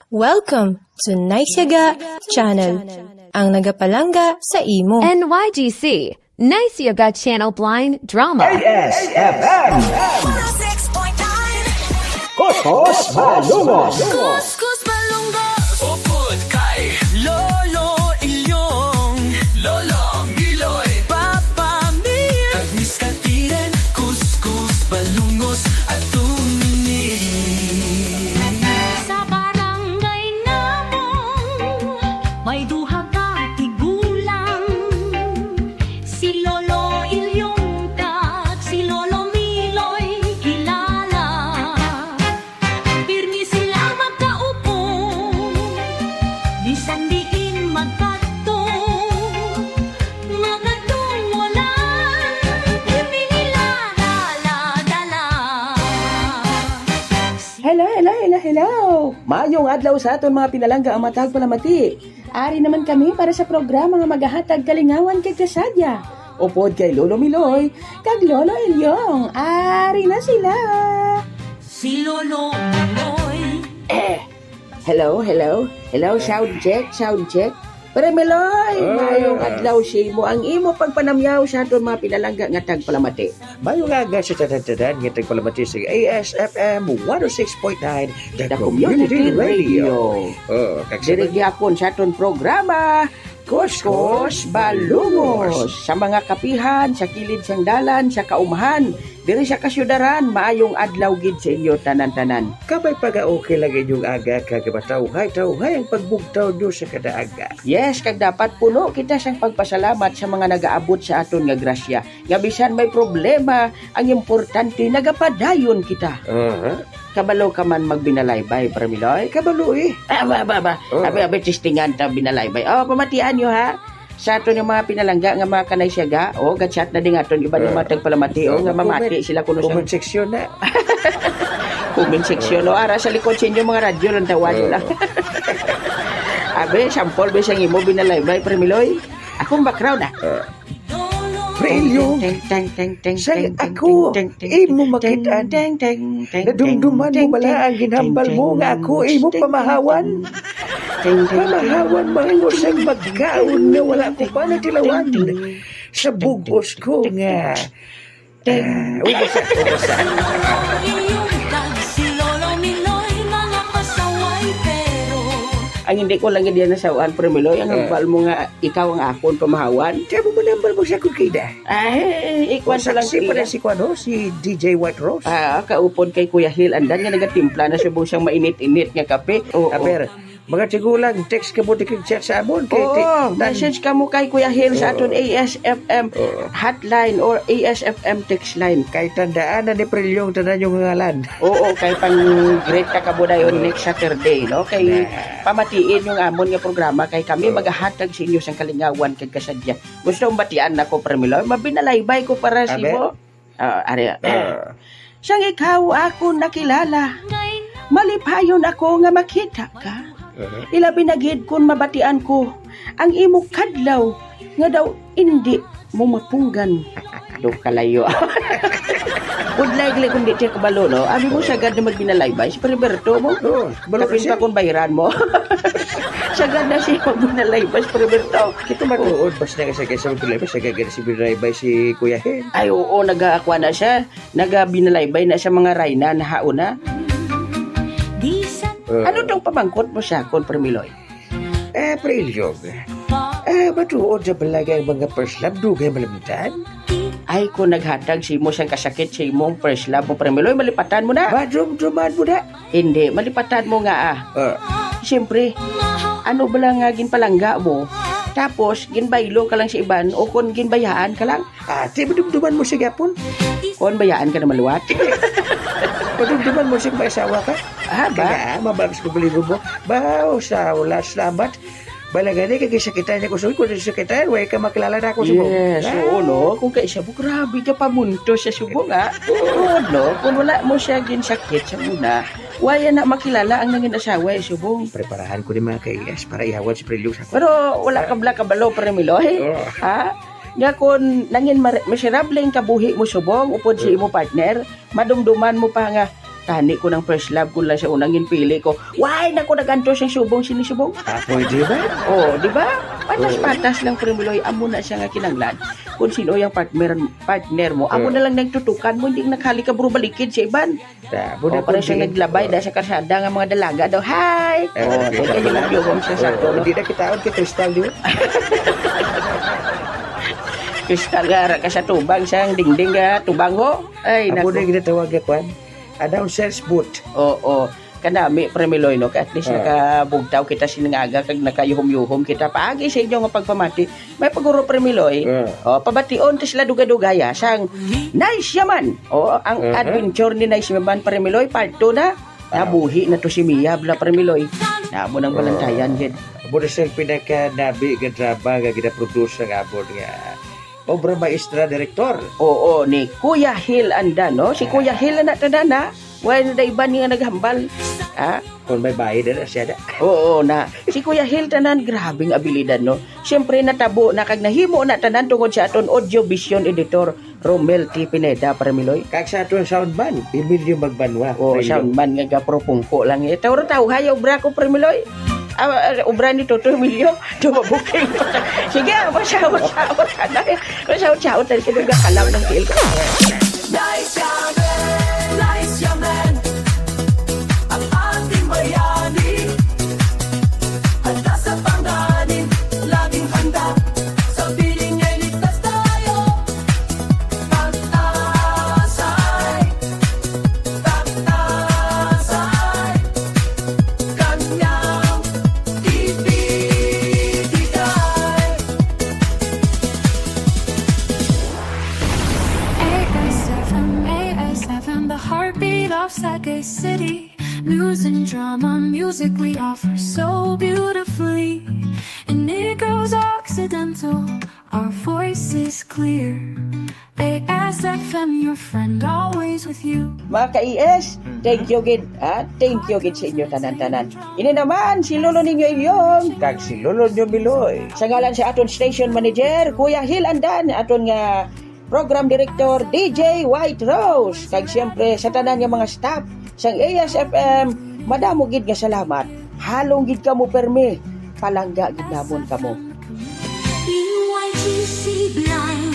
Welcome to Naisyaga Channel, ang nagapalangga sa imo. NYGC, Nice Yoga Channel Blind Drama. ASFM Kuskus Malungos Kuskus Malunggos Upod kay Lolo Ilyong Lolo Miloy Papa Mir Agnis Katiren Kuskus Malungos at tumini Sa barangay namong may duha ka tigulang, si Lolo Ilyong at si Lolo Miloy kilala. Pirmi sila magkaupo, bisan diin magkadto, mga tungwalan, pirmi nila dala-dala. Hello! Mayong adlaw sa aton mga pinalangga ang matag palamati. Ari naman kami para sa programa nga magahatag kalingawan kay kasadya. Upod kay Lolo Miloy, kag Lolo Ilyong. Ari na sila! Si Lolo Miloy Hello, sound check. Pero Miloy, mayong adlaw si mo ang imo pagpanamyaw sa aton mga pinalangga nga tag palamati. Mayo nga nga sa tanan-tanan ngitag palamati sa ASFM 106.9 The Community Radio. Oh, Diri gyapon sa aton programa Kuskus Balungos sa mga kapihan, sa kilid sang dalan, sa kaumahan, diri sa kasyudaran, maayong adlaw gid sa inyo tanan-tanan. Kapay pag-okay lang inyong aga kagabataw-hay ang pagbugtaw do sa kadaaga. Yes, kag dapat puno kita sang pagpasalamat sa mga nagaabot sa aton nga grasya. Nga bisan may problema, ang importante nagapadayon kita. Kabalo ka man magbinalaybay, Parmiloy. Kabalo eh. Oh. Abi tistingan ta binalaybay. Pamatian nyo ha. Sa aton yung mga pinalangga nga mga kanay siyaga, gatchat na din aton iba ng matag palamati, nga mamati sila kuno sa comment section na. comment section. Ara sa likod sa inyo mga radyo lang tawag lang. Abi, sample ba siyang imo binalaybay, Parmiloy? Akong background Prelyo, say ako, imo makita, nadumduman mo bala ang ginhambal mo nga ako, imo pamahawan. Pamahawan mo sa magkaon na wala ko pa natilawan. Sa bugos ko nga. Ilyong kag si Lolo Miloy mga pasaway pero Ang hindi ko lang diyan nasawaan, Parmiloy, ang hambal mo nga ikaw ang akon pamahawan. Kaya mo manambal mo siya kung kida. Ikwan sa lang Saksi pa rin si Kwano, si DJ White Rose. Kaupon kay Kuya Hil, andan nga nagatimpla na subong siyang mainit-init nga kape. Aber, mga tigulang, text ka mo kag chat sa amon. Message ka mo kay Kuya Hil sa aton ASFM hotline or ASFM text line. Kay tandaan na ni Prelyong tanan yung ngalan. Oo, kay pang great ka mo dayon next Saturday, no? Kay pamatiin yung amon nga programa kay kami maghahatag sa inyo sang kalingawan kag kasadya. Gusto mong batian nako, Parmilo? Mabinalaybay ko para si mo. Sang ikaw ako nakilala, malipayon ako nga makita ka. Ilabi na gid kun mabatian ko ang imo kadlaw nga daw hindi mo mapunggan. Do kalayo. Would likely kung di siya kabalo, no? Abi mo siya agad na magbinalaybay. Si Periberto mo. Kapin pa kung bayaran mo. Siya agad na siya magbinalaybay si Periberto. Ito matuod, basta nga sa kaysa magbinalaybay, siya gagana si binalaybay si Kuya Hen. Ay, oo, nag-aakwa na siya. Nag-binalaybay na siya mga rayna na hauna. di sa Ano tong pamangkot mo siya, Kon Permiloy? Prelyong. Matuod sa balagay ang mga first love, dugay malamitan. Ay, kung naghatag si mo siyang kasakit si mong first love mo, Permiloy, malipatan mo na. Madrum-druman mo na. Hindi, malipatan mo nga Siyempre, ano ba lang nga ginpalangga mo? Tapos, ginbaylo ka lang sa iban o kung ginbayaan ka lang? Ate, madumduman mo siya gapon. Kung bayaan ka na maluwat? Madumduman mo siya asawa ka. Ba? Kaya, mabagos ko baligo mo. Bao, sa wala salamat. Balagani, kagisakitan niya ko sa kung sakitan, way ka makilala na ako sa mo. Yes, oo, no? Kung kaya siya, grabe ka pamunto sa subo nga. Oo, no? Kung wala mo siya ginsakit sa muna, waya na makilala ang nangin asawa ay subong. Preparahan ko din mga kaiyas para ihawan si Prelyong sa ako. Pero wala ka bala kabalo, Permiloy. Ha? Nga kung nangin miserable ang kabuhi mo subong, upod si imo partner, madumduman mo pa nga, Tani ko ng first love ko lang siya unang ginpili ko. Why, naku, naganto siyang subong, sinisubong. Pwede ba? Oh, di ba? Patas-patas lang Premiloy, amo na siya nga kinanglan. Kung sino yung partner mo, amo na lang nagtutukan mo, hindi nakali ka bro balikid sa iban. Tabo O, parang siya naglabay dahil sa karsada nga mga dalaga daw, hi! O, teka yung nagyugong siya sa no? Hindi na kitaon kay Crystal di ba? Kristal nga, ka sa tubang siyang dingding nga, tubang ho. Ay, Amo na naku. ginatawag ka kwan. Announcer's booth. Oo, kanami Premiloy no, at least nakabugtaw kita sinangaga kag nakayuhom-yuhom kita paagi sa inyo nga pagpamati. May paguro Premiloy. O, pabation to sila duga-dugaya sang Nice Yaman. O, ang adventure ni Nice Yaman Premiloy part 2 na. Nabuhi na to si Mia bla Premiloy. Namo ng balantayan gid. Amo na siyang pinaka-nabi nga drama nga gina-produce ng abon nga obra maestra direktor. Oo, ni Kuya Hill Andan, no? Si Kuya Hill na tadana. Wala na iba niya naghambal. Ha? Kung may bayad na siya na. Oo na. Si Kuya Hill tanan grabing abilidad no. Siyempre natabo na kag nahimo na tanan tungod sa aton audio vision editor Romel T. Pineda Premiloy. Kag sa aton soundman, Emilio Magbanwa. O soundman nga gapropungko lang. Taw hayaw bra ko Premiloy. Ubra ni Toto Emilio, dumabuking. Sige, masyawot ka na. Masyawot tayo sa mga kalaw ng tiil ko. Nice yaman, ang ating bayani. Handa sa panganin, laging handa. Sa piling ay ligtas tayo. Pag-asay, kanyang ibigay. ASFM, the heartbeat of Sagay City. News and drama, music we offer so beautifully. And it goes accidental, our voice is clear. ASFM, your friend, always with you. Mga ka-ES, thank you gid. Thank you gid sa inyo tanan-tanan. Ini naman, si Lolo ninyo inyong. Kag si Lolo nyo Miloy. Sa ngalan sa aton station manager, Kuya Hill Andan, aton nga program director DJ White Rose. Kag siyempre sa tanan nga mga staff sang ASFM, madamo gid nga salamat. Halong gid kamo permi. Palangga gid namon kamo. BYGC blind.